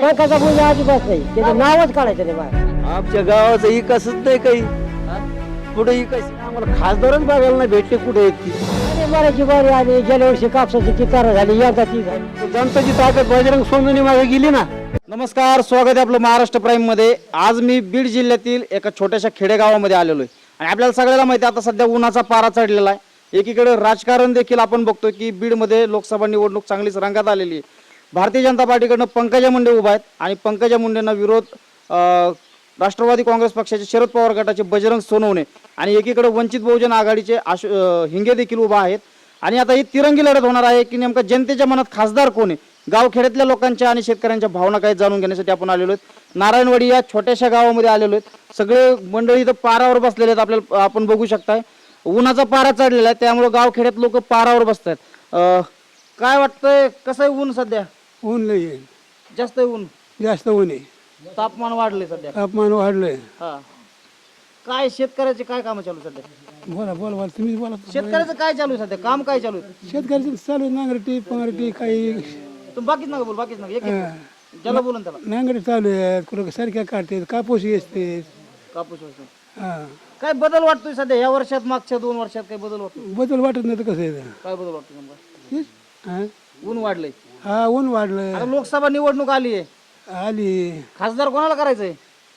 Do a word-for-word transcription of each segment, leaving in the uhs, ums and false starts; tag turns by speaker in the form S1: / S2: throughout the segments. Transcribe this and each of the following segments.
S1: नाही
S2: पंकजा मुंडे अजिबात नाही, त्याचं नावच काढायचं नाही बाहेर.
S1: आमच्या गावाचं इकासच नाही काही कुठे इकास आम्हाला खासदारच बघायला नाही भेटले कुठे आहेत ती.
S2: आणि मराठी बारी आली, गेल्या वर्षी कापसाची कितारा झाली, यंदा ती झाली.
S1: जनताची ताकद बजरंग सोनवणे मागे गेली ना. नमस्कार, स्वागत आहे आपलं महाराष्ट्र प्राईम मध्ये. आज मी बीड जिल्ह्यातील एका छोट्याशा खेडेगावामध्ये आलेलो आहे आणि आपल्याला सगळ्याला माहिती आहे आता सध्या उन्हाचा पारा चढलेला आहे. एकीकडे राजकारण देखील आपण बघतोय की बीडमध्ये लोकसभा निवडणूक चांगलीच रंगात आलेली आहे. भारतीय जनता पार्टीकडनं पंकजा मुंडे उभा आहेत आणि पंकजा मुंडेंना विरोध अं, राष्ट्रवादी काँग्रेस पक्षाचे शरद पवार गटाचे बजरंग सोनवणे आणि एकीकडे वंचित बहुजन आघाडीचे आशु अं, हिंगे देखील उभा आहेत. आणि आता ही तिरंगी लढत होणार आहे की नेमका जनतेच्या मनात खासदार कोण आहे. गावखेड्यातल्या लोकांच्या आणि शेतकऱ्यांच्या भावना काय जाणून घेण्यासाठी आपण आलेलो आहेत. नारायणवाडी या छोट्याशा गावामध्ये आलेलो आहेत. सगळे मंडळी इथं पारावर बसलेले आहेत, आपल्याला आपण बघू शकताय. उन्हाचा पारा चढलेला आहे त्यामुळे गावखेड्यात लोक पारावर बसतात. अं, काय वाटतंय, कसं आहे ऊन सध्या?
S3: ऊन नाही आहे,
S1: जास्त आहे ऊन,
S3: जास्त ऊन आहे,
S1: तापमान वाढले सध्या.
S3: तापमान वाढलंय.
S1: हा, काय शेतकऱ्याचे काय काम चालू आहे सध्या?
S3: बोला बोला बोला तुम्ही बोला.
S1: शेतकऱ्याचं काय चालू आहे सध्या, काम काय चालू आहे?
S3: शेतकऱ्याचं चालू आहे, नांगरटी पंगरटी काही
S1: तुम्ही बाकीच नका बोल, बाकीच नका, एक एक ज्याला बोलून त्याला.
S3: नांगरटी चालू आहेत, कुठं सारख्या काढतात, कापूस असते.
S1: कापूस वगैरे.
S3: हा,
S1: काय बदल वाटतोय सध्या या वर्षात, मागच्या दोन वर्षात काय बदल वाटतो?
S3: बदल वाटत नाही तर कसं आहे.
S1: काय बदल वाटतो नेमका?
S3: तेच, हा
S1: ऊन वाढलंय,
S3: हा, ऊन वाढलं.
S1: आता लोकसभा निवडणूक आली आहे,
S3: आली
S1: खासदार कोणाला करायचंय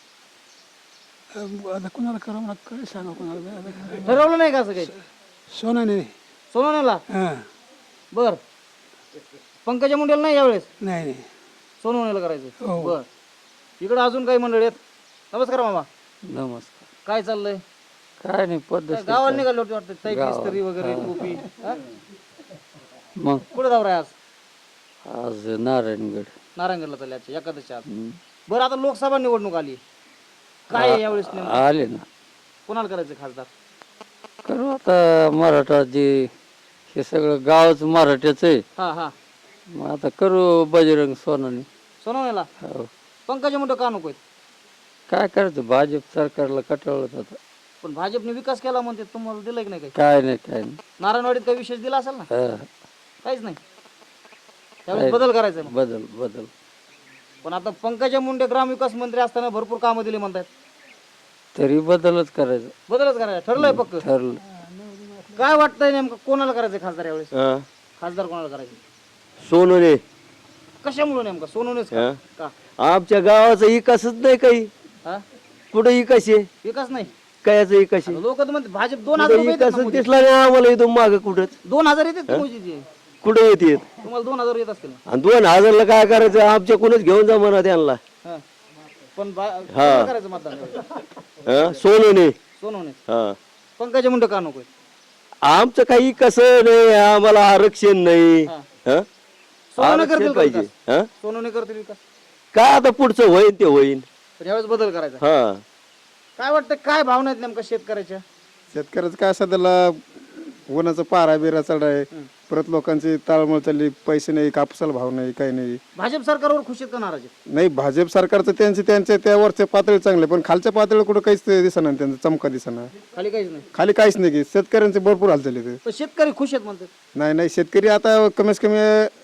S3: आता कोणाला करा मला काय सांगा कोणाला.
S1: ठरवलं नाही का असं काही?
S3: सोनाने
S1: सोनवणेला.
S3: हा,
S1: बर, पंकजा मुंडेला नाही यावेळेस,
S3: नाही नाही.
S1: सोनवणेला करायचं.
S3: हो.
S1: बर, इकडे अजून काही मंडळी आहेत. नमस्कार मामा,
S4: नमस्कार.
S1: काय चाललंय?
S4: काय नाही पद्धत
S1: काय गावाला निघाले होते वाटतं, ताई मिस्त्री वगैरे, टोपी. हा?
S4: मग
S1: कुठे जाऊ आहे आज?
S4: आज नारायणगड.
S1: नारायणगडला चालले आजच्या एकादशच्या आज. बरं, आता लोकसभा निवडणूक आली, काय आहे यावेळेस नेमकं?
S4: आले ना,
S1: कोणाला करायचं खासदार?
S4: करू आता मराठा जे हे सगळं गावच मराठ्याच आहे.
S1: हा हा,
S4: मग आता करू बजरंग सोनाने.
S1: सोनवणेला.
S4: हो.
S1: पंकजा मुंडे का नको आहेत?
S4: काय करायचं, भाजप सरकारला कटाळत आता.
S1: पण भाजपने विकास केला म्हणते, तुम्हाला दिलाय की नाही काही?
S4: काय नाही काय नाही.
S1: नारायणवाडीत काही विशेष दिला असेल ना?
S4: हा,
S1: काहीच नाही. त्यावेळेस बदल करायचा आहे मग.
S4: बदल बदल.
S1: पण आता पंकजा मुंडे ग्रामविकास मंत्री असताना भरपूर कामं दिली म्हणतात,
S4: तरी बदलच करायचं.
S1: बदलच करायचा ठरलंय पक्क.
S4: ठरलं.
S1: काय वाटतंय नेमकं कोणाला करायचं खासदार यावेळेस? खासदार कोणाला करायचं? सोनवणे. कशामुळे नेमका सोनवणेच का? का?
S5: आमच्या गावाचा इकासच नाही काही
S1: हा?
S5: कुठे इकास आहे
S1: विकास नाही.
S5: कायचा इकास आहे
S1: लोक तर म्हणते भाजप दोन हजार रुपये देतात ना
S5: इकास
S1: मोदी.
S5: दिसला नाही आम्हाला इथून माग कुठंच
S1: दोन हजार येतात का मोदीचे?
S5: कुठे येते
S1: तुम्हाला दोन हजार येत असतील ना?
S5: आणि दोन हजारला काय करायचं आमच्या कोणच घेऊन जा म्हणा त्यांना.
S1: हा. पण बा- कोणाला करायचं मतदान
S5: हा, सोनवणे.
S1: सोनवणे.
S5: हा,
S1: पंकजा मुंडे का नकोय?
S5: आमचं काही कसं नाही, आम्हाला आरक्षण नाही.
S1: हा.
S5: हा?
S1: सोनवणे
S5: आरक्षण
S1: करतील का
S5: पाहिजे.
S1: विकास?
S5: हा?
S1: सोनवणे करतील विकास.
S5: काय आता पुढचं होईन ते होईन.
S1: पण यावेळेस बदल करायचा.
S5: हा,
S1: काय वाटतं, काय भावना आहेत नेमका शेतकऱ्याच्या?
S6: शेतकऱ्याचं काय सध्याला उन्हाचा पारा बिरा चढाय, परत लोकांची ताळमळ चालली, पैसे नाही, कापसाला भाव नाही, काही नाही.
S1: भाजप सरकारवर खुश आहेत का नाराज आहेत?
S6: नाही, भाजप सरकारचं त्यांचे त्यांच्या त्यावरच्या पातळी चांगले, पण खालच्या पातळीवर कुठं काहीच दिसना, त्यांचा चमका दिसना.
S1: खाली काहीच नाही.
S6: खाली काहीच नाही की शेतकऱ्यांचे भरपूर हाल झाले ते.
S1: पण शेतकरी खुश आहेत म्हणतात.
S6: नाही नाही, शेतकरी आता कमीत कमी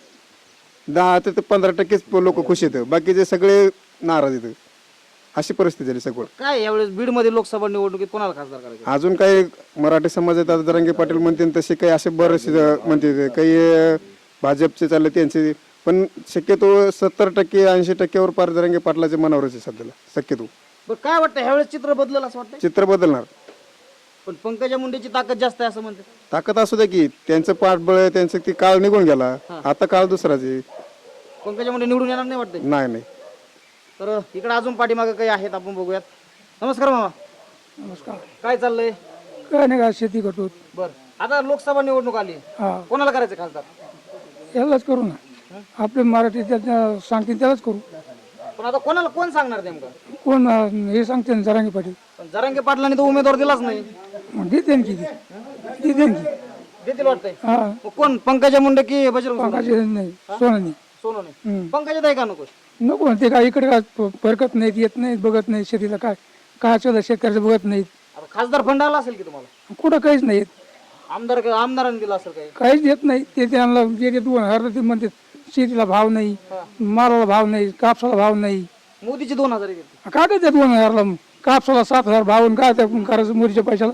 S6: दहा ते पंधरा टक्केच लोक खुश आहेत, बाकीचे सगळे नाराज आहेत. अशी परिस्थिती झाली सगळं.
S1: काय यावेळेस बीडमध्ये लोकसभा निवडणुकीत कोणाला खासदार करायचं?
S6: अजून काही मराठी समाजात आता जरांगे पाटील म्हणते तसे काही असे बरेचसे म्हणते, काही भाजपचे चालले त्यांचे, पण शक्यतो सत्तर टक्के ऐंशी टक्क्यावर पार जरांगे पाटलाचे मनावरच आहे सध्याला शक्यतो.
S1: पण काय वाटतं ह्यावेळेस चित्र बदललं असं वाटतं?
S6: चित्र बदलणार.
S1: पण पंकजा मुंडेची ताकद जास्त आहे असं म्हणतात.
S6: ताकद असू द्या की, त्यांचं पाठबळ आहे, त्यांचं ती काळ निघून गेला, आता काळ दुसराच आहे.
S1: पंकजा मुंडे निवडून येणार नाही वाटतं?
S6: नाही नाही.
S1: तर इकडे अजून पाठीमागे काही आहेत, आपण बघूयात. नमस्कार मामा,
S3: नमस्कार.
S1: काय चाललंय?
S3: काय नाही का, शेती करतो.
S1: बर, आता लोकसभा निवडणूक आली,
S3: हा,
S1: कोणाला करायचं खासदार?
S3: यालाच करू ना, आपले मराठी त्याच्या सांगतील त्यालाच करू.
S1: पण आता कोणाला कोण सांगणार नेमकं?
S3: कोण अं, हे सांगते ना, जरांगे पाटील.
S1: पण जरांगे पाटलांनी तो उमेदवार दिलाच नाही.
S3: मग देते ना की ते. देते ना की.
S1: देतील वाटतंय.
S3: हा,
S1: मग कोण, पंकजा मुंडे की बजरंग सोनवणे?
S3: पंकजा नाही, सोनाने.
S1: सोनवणे. पंकजा ताई का नको?
S3: नको ना, ते काय इकडे काय प- परकत नाहीत, येत नाहीत, बघत नाही शेतीला, काय काय सुद्धा शेतकऱ्याचं बघत नाहीत.
S1: आता खासदार फंड आला असेल की तुम्हाला?
S3: कुठं काहीच नाही येत,
S1: आमदार आमदारांनी दिला असेल काही?
S3: काहीच येत नाही. ते त्यांना जे दोन हजार ते म्हणते शेतीला भाव नाही, मालाला भाव नाही, कापसाला भाव नाही.
S1: मोदीचे दोन हजार घेतले.
S3: काय काय ते दोन हजारला कापसाला सात हजार भाव आणि काय त्या करायचं मोदीच्या पैशाला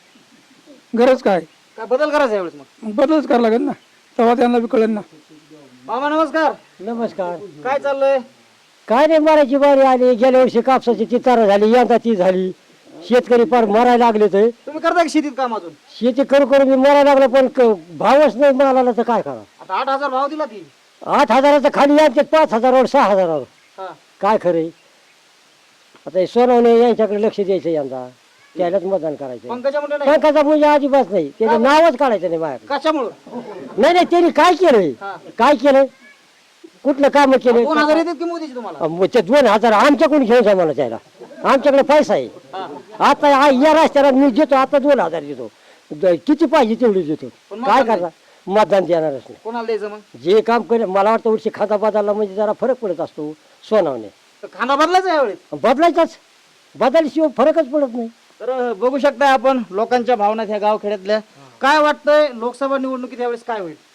S3: गरज काय?
S1: काय बदल करायचा यावेळेस मग?
S3: मग बदलच करावं लागेल ना, तेव्हा त्यांना बी कळेल ना.
S1: मामा नमस्कार.
S2: नमस्कार.
S1: काय चाललंय?
S2: काय नाही, मरायची बारी आली. गेल्या वर्षी कापसाची चितारा झाली, यंदा ती झाली. शेतकरी फार मरायला लागले तर
S1: तुम्ही करता का शेतीत काम अजून?
S2: शेती करू करू मी मरायला लागलो, पण क- भावच नाही मालाला, तर काय करा.
S1: आता आठ हजार भाव दिला ती.
S2: आठ हजाराचं खाली यांचे पाच हजारावर सहा हजारावर
S1: हा.
S2: काय खरे. आता हे सोनवणे यांच्याकडे लक्ष द्यायचं, यंदा त्यालाच मतदान करायचं.
S1: पंकजा मुंडे नाही.
S2: पंकजा म्हणजे अजिबात नाही, त्याचं नावच काढायचं नाही माझ्याकडे.
S1: कशामुळं?
S2: नाही नाही, त्यांनी काय केलंय, काय केलं, कुठलं काम केलं.
S1: दोन हजार येतात की मोदीचे तुम्हाला?
S2: मग ते दोन हजार आमच्याकडून घेऊन जा मला त्याला, आमच्याकडे पैसा आहे. आता आ- या रस्त्याला मी देतो, आता दोन हजार देतो, द- किती पाहिजे तेवढी देतो. काय करता, मतदान देणारच नाही.
S1: कोणाला द्यायचं मग?
S2: जे काम करे, मला वाटतं वर्षी खाता बदलला म्हणजे जरा फरक पडत असतो सोनावणे.
S1: तर खांदा बदलायचा यावेळेस.
S2: बदलायचाच, बदलशिवाय फरकच पडत नाही.
S1: तर बघू शकताय आपण लोकांच्या भावना ह्या गावखेड्यातल्या. काय वाटतंय लोकसभा निवडणुकीत यावेळेस काय होईल?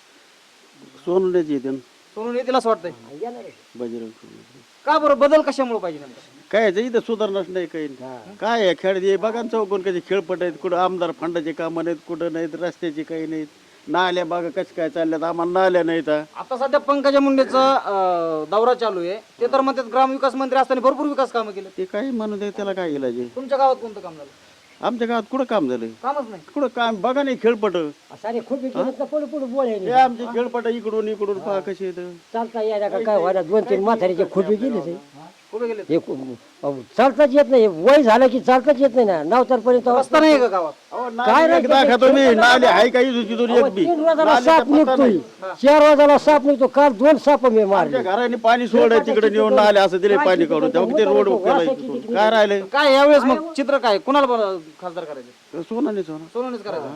S5: सोनण्याची येते
S1: सोडून येतील असं वाटतंय.
S5: बजरंग
S1: का बरं, बदल कशामुळे पाहिजे नेमकं?
S5: काय याचं इथं सुधारणाच नाही काही. काय आहे खेळ हे बघा ना, चौकोन कधी खेळपट आहेत, कुठं आमदार फंडाचे कामं नाहीत, कुठं नाहीत, रस्त्याची काही नाहीत, नाल्या बागा कशा काय चालल्यात, आम्हाला नाल्या नाहीत.
S1: आता सध्या पंकजा मुंडेचा अं, दौरा चालू आहे. ते तर म्हणतात ग्रामविकास मंत्री असताना भरपूर विकास कामं केले.
S5: ते काही म्हणू दे, त्याला काय इलाज आहे?
S1: तुमच्या गावात कोणतं काम झालं?
S5: आमच्या गावात कुठं काम झालंय?
S1: कामच नाही.
S5: कुठं काम बघा नाही, खेळपट
S2: सारे खूप पुढे पुढे
S5: हे
S2: बोलायला
S5: आमचे खेळपट इकडून इकडून पहा कसे येत.
S2: चालता यायला का काय व्हायला, दोन तीन म्हातारीचे खोबे गेले ते.
S1: कुठे गेले?
S2: हे खू- अहो, चालताच येत नाही, वय झालं की चालताच येत नाही ना, नवतरपर्यंत
S1: रस्ता नाही का गावात?
S2: काय नाही,
S5: दाखवा तुम्ही नाले आहे काही तिथून एक बी
S2: तीन वाजाला
S5: नाल्याचा
S2: साप
S5: पत्ता
S2: निघतोय,
S5: नाही.
S2: चार वाजाला साप निघतो. काल दोन साप मी मारले.
S5: आमच्या घराने पाणी सोडाय तिकडे नेऊन नाले असं दिले पाणी काढून, तेव्हा ते रोड केला इथून. काय राहिले?
S1: काय यावेळेस मग चित्र काय, कुणाला बरं खासदार करायचं?
S5: सोनाने सोना
S1: सोनवणेच करायचं.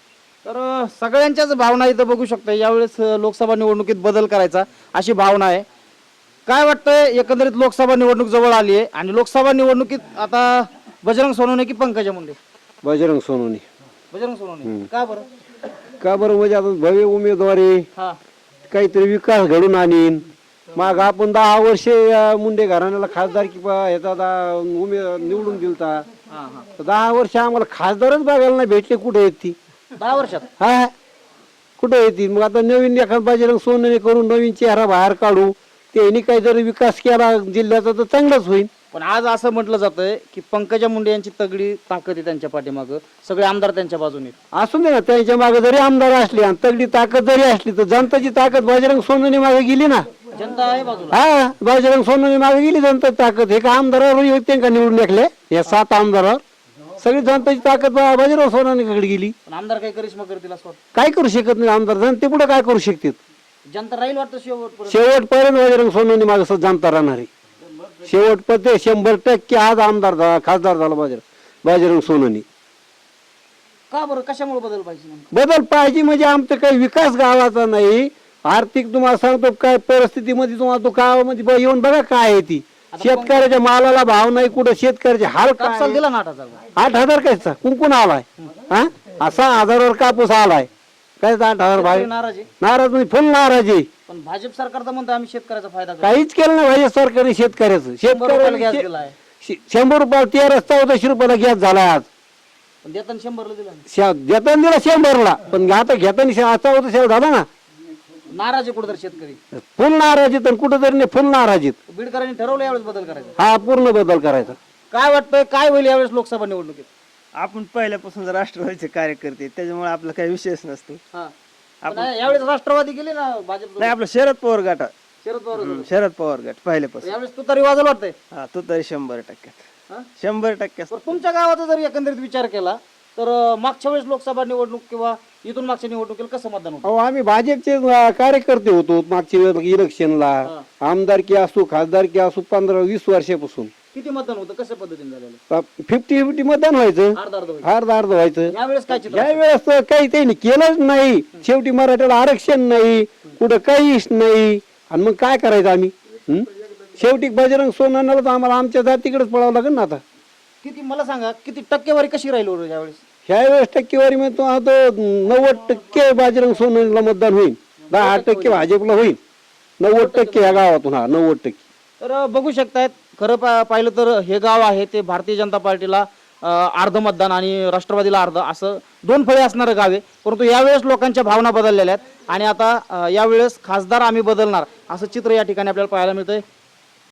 S1: तर अं, सगळ्यांच्याच भावना इथं बघू शकता. यावेळेस अं, लोकसभा निवडणुकीत बदल करायचा अशी भावना आहे. काय वाटतंय, एकंदरीत लोकसभा निवडणूक जवळ आली आहे आणि लोकसभा निवडणुकीत आता बजरंग सोनवणे की पंकजा मुंडे?
S6: बजरंग सोनवणे.
S1: बजरंग सोनवणे. का बरं?
S6: का बरं, म्हणजे आता भव्य उमेदवार आहे,
S1: हा.
S6: काहीतरी विकास घडून आणीन. मग आपण दहा वर्षे या मुंडे घराण्याला खासदार की ह्याचा दा- उमे निवडून दिलता.
S1: हा, हा.
S6: तर दहा वर्ष आम्हाला खासदारच बघायला नाही भेटले, कुठे आहेत ती?
S1: दहा वर्षात
S6: हा, कुठे येतील? मग आता नवीन एखाद बजरंग सोनवणे करून नवीन चेहरा बाहेर काढू, त्यांनी काही जर विकास केला जिल्ह्याचा तर चांगलाच होईल.
S1: पण आज असं म्हटलं जातंय की पंकजा मुंडे यांची तगडी ताकद आहे त्यांच्या पाठीमागं, सगळे आमदार त्यांच्या बाजूने आहेत.
S6: असू दे ना, त्यांच्या मागे जरी आमदार असले आणि तगडी ताकद जरी असली तर जनताची ताकद बजरंग सोनवणे मागे गेली ना.
S1: जनता आहे बाजूला.
S6: हा, बजरंग सोनवणे मागे गेली जनताची ताकद. हे का आमदारावर येते का निवडून टाकले या सात आमदारावर? सगळी जनताची ताकद ब- बजरंग सोनवणेकडे गेली.
S1: पण आमदार काही करिश्मा करतील असं वाटतं?
S6: काय करू शकत नाही आमदार, जनते पुढे काय करू शकतात?
S1: जनता राहील वाटतं शेवटपर्यंत.
S6: शेवटपर्यंत बजरंग सोनवणे मागे जनता राहणार आहे. शेवटपर्यंत शंभर टक्के आज आमदार झाला, खासदार झाला बजरंग बजरंग सोनवणे.
S1: का बरं, कशामुळे बदल पाहिजे नेमकं?
S6: बदल पाहिजे म्हणजे आमचं काही विकास गावाचा नाही. आर्थिक तुम्हाला सांगतो काय परिस्थितीमध्ये, तुम्हाला तो गावामध्ये ब- येऊन बघा काय आहे ती. शेतकऱ्याच्या मालाला भाव नाही, कुठं शेतकऱ्याचे हाल काय
S1: कापसाला
S6: आहे.
S1: दिला ना आठ हजार.
S6: आठ हजार कायचा कुंकून आलाय, हा असा हजारावर कापूस आलाय, काय आठ हजार भाई
S1: शेतकरी नाराज आहे.
S6: नाराज म्हणजे फुल नाराज आहे.
S1: पण भाजप सरकार तर म्हणतं आम्ही शेतकऱ्याचा फायदा करू.
S6: काहीच केलं नाही भाई सरकारने शेतकऱ्याचं.
S1: शंभर रुपयाला गॅस
S6: शेतकऱ्याला
S1: दिलाय.
S6: शे- शंभर रुपयाला तेरा चौदाशे रुपयाला गॅस झाला आज.
S1: पण देताना शंभरला दिला नाही.
S6: शा- देताना दिला शंभरला, पण आता घेताना शा- चौदा शेव झाला ना.
S1: नाराज आहे कुठेतरी शेतकरी.
S6: फुल नाराज आहेत, कुठं तरी नाही फुल नाराज आहेत.
S1: बीडकरांनी ठरवलं यावेळेस बदल करायचा.
S6: हा पूर्ण बदल करायचा.
S1: काय वाटतंय, काय होईल यावेळेस लोकसभा निवडणुकीत?
S7: आपण पहिल्यापासून राष्ट्रवादीचे कार्यकर्ते, त्याच्यामुळे आपला काही विषयच नसतो.
S1: हा. पण यावेळेस राष्ट्रवादी गेले ना भाजप.
S7: नाही, आपलं शरद पवार गट,
S1: शरद पवार होते.
S7: शरद पवार गट पहिल्यापासून.
S1: यावेळेस तू तरी वाजल वाटतंय.
S7: हा, तो तरी शंभर टक्क्यात
S1: हा?
S7: शंभर टक्क्यात
S1: पण तुमच्या गावाचा जर एकंदरीत विचार केला तर अं, मागच्या वेळेस लोकसभा निवडणूक किंवा इथून मागच्या निवडणुकीला कसं मतदान होतं?
S6: अहो आम्ही भाजपचे अं, कार्यकर्ते होतो मागच्या इलेक्शनला. आमदारकी असो खासदारकी असो पंधरा वीस वर्षापासून
S1: किती मतदान होतं, कशा पद्धतीने झालेलं?
S6: फिफ्टी फिफ्टी मतदान व्हायचं,
S1: अर्धा अर्ध होईल.
S6: अर्ध अर्ध व्हायचं.
S1: यावेळेस काय चित्र?
S6: या वेळेस तर काही त्यांनी केलंच नाही. शेवटी मराठ्याला आरक्षण नाही, कुठं काहीच नाही, आणि मग काय करायचं आम्ही? हं? शेवटी बजरंग सोनवण्याला तर आम्हाला आमच्या जातीकडेच पळावं लागेल ना आता.
S1: किती मला सांगा, किती टक्केवारी कशी राहील बरं यावेळेस?
S6: ह्या वेळेस टक्केवारी म्हणजे तो आता नव्वद टक्के बजरंग सोनवण्याला मतदान होईल, दहा टक्के भाजपला होईल.
S5: नव्वद टक्के ह्या गावातून हा नव्वद टक्के
S1: तर अ, बघू शकतायत खरं पा पाहिलं तर हे गाव आहे ते भारतीय जनता पार्टीला अ, अर्ध मतदान आणि राष्ट्रवादीला अर्ध असं दोन फळे असणारं गाव आहे. परंतु यावेळेस लोकांच्या भावना बदललेल्या आहेत आणि आता अ, यावेळेस खासदार आम्ही बदलणार असं चित्र या ठिकाणी आपल्याला पाहायला मिळतंय.